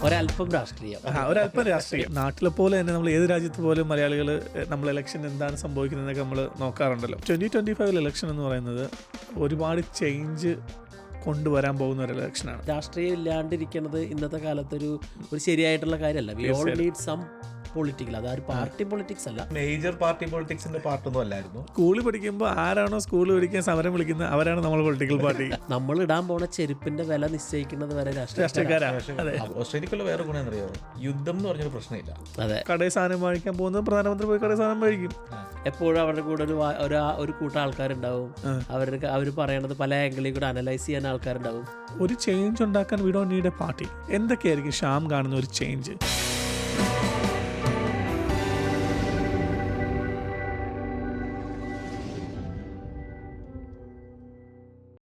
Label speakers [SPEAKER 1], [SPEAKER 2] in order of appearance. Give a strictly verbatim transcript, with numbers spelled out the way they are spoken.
[SPEAKER 1] ഒരല്പം രാഷ്ട്രീയം,
[SPEAKER 2] ഒരല്പം രാഷ്ട്രീയം. നാട്ടിലെ പോലെ തന്നെ നമ്മൾ ഏത് രാജ്യത്ത് പോലും മലയാളികൾ നമ്മൾ ഇലക്ഷൻ എന്താണ് സംഭവിക്കുന്നതെന്നൊക്കെ നമ്മൾ നോക്കാറുണ്ടല്ലോ. ട്വന്റി ട്വന്റി ഫൈവിൽ ഇലക്ഷൻ എന്ന് പറയുന്നത് ഒരുപാട് ചേഞ്ച് കൊണ്ടുവരാൻ പോകുന്ന ഒരു ഇലക്ഷനാണ്.
[SPEAKER 1] രാഷ്ട്രീയം ഇല്ലാണ്ടിരിക്കുന്നത് ഇന്നത്തെ കാലത്തൊരു ഒരു ശരിയായിട്ടുള്ള കാര്യമല്ല. We all need some political, അതൊരു പാർട്ടി പൊളിറ്റിക്സ് അല്ല,
[SPEAKER 3] മേജർ പാർട്ടി പൊളിറ്റിക്സിന്റെ പാർട്ടൊന്നും അല്ലായിരുന്നു.
[SPEAKER 2] സ്കൂളിൽ പഠിക്കുമ്പോൾ ആരാണോ സ്കൂളിൽ പഠിക്കാൻ സമരം വിളിക്കുന്നത് അവരാണ് നമ്മൾ പൊളിറ്റിക്കൽ പാർട്ടി.
[SPEAKER 1] നമ്മൾ ഇടാൻ പോണ ചെരുപ്പിന്റെ വില നിശ്ചയിക്കുന്നത് വരെ
[SPEAKER 2] രാഷ്ട്രീയക്കാരാണ്.
[SPEAKER 3] ഓസ്ട്രേലിയക്കുള്ള വേറെ ഗുണം എന്നറിയോ, യുദ്ധം എന്ന് പറഞ്ഞൊരു പ്രശ്നമില്ല.
[SPEAKER 1] അതെ,
[SPEAKER 2] കടയിൽ സാധനം വാങ്ങിക്കാൻ പോകുന്നത് പ്രധാനമന്ത്രി പോയി കടയിൽ സാധനം മേടിക്കും.
[SPEAKER 1] എപ്പോഴും അവരുടെ കൂടെ ഒരു ഒരു ഒരു കൂട്ടം ആൾക്കാരുണ്ടാവും. അവർക്ക് അവർ പറയണത് പല ആംഗിളിൽ കൂടെ അനലൈസ് ചെയ്യാൻ ആൾക്കാരുണ്ടാവും.
[SPEAKER 2] ഒരു ചേഞ്ച് ഉണ്ടാക്കാൻ we don't need a party. എന്തൊക്കെയായിരിക്കും ഷ്യാം കാണുന്ന ഒരു ചേഞ്ച്?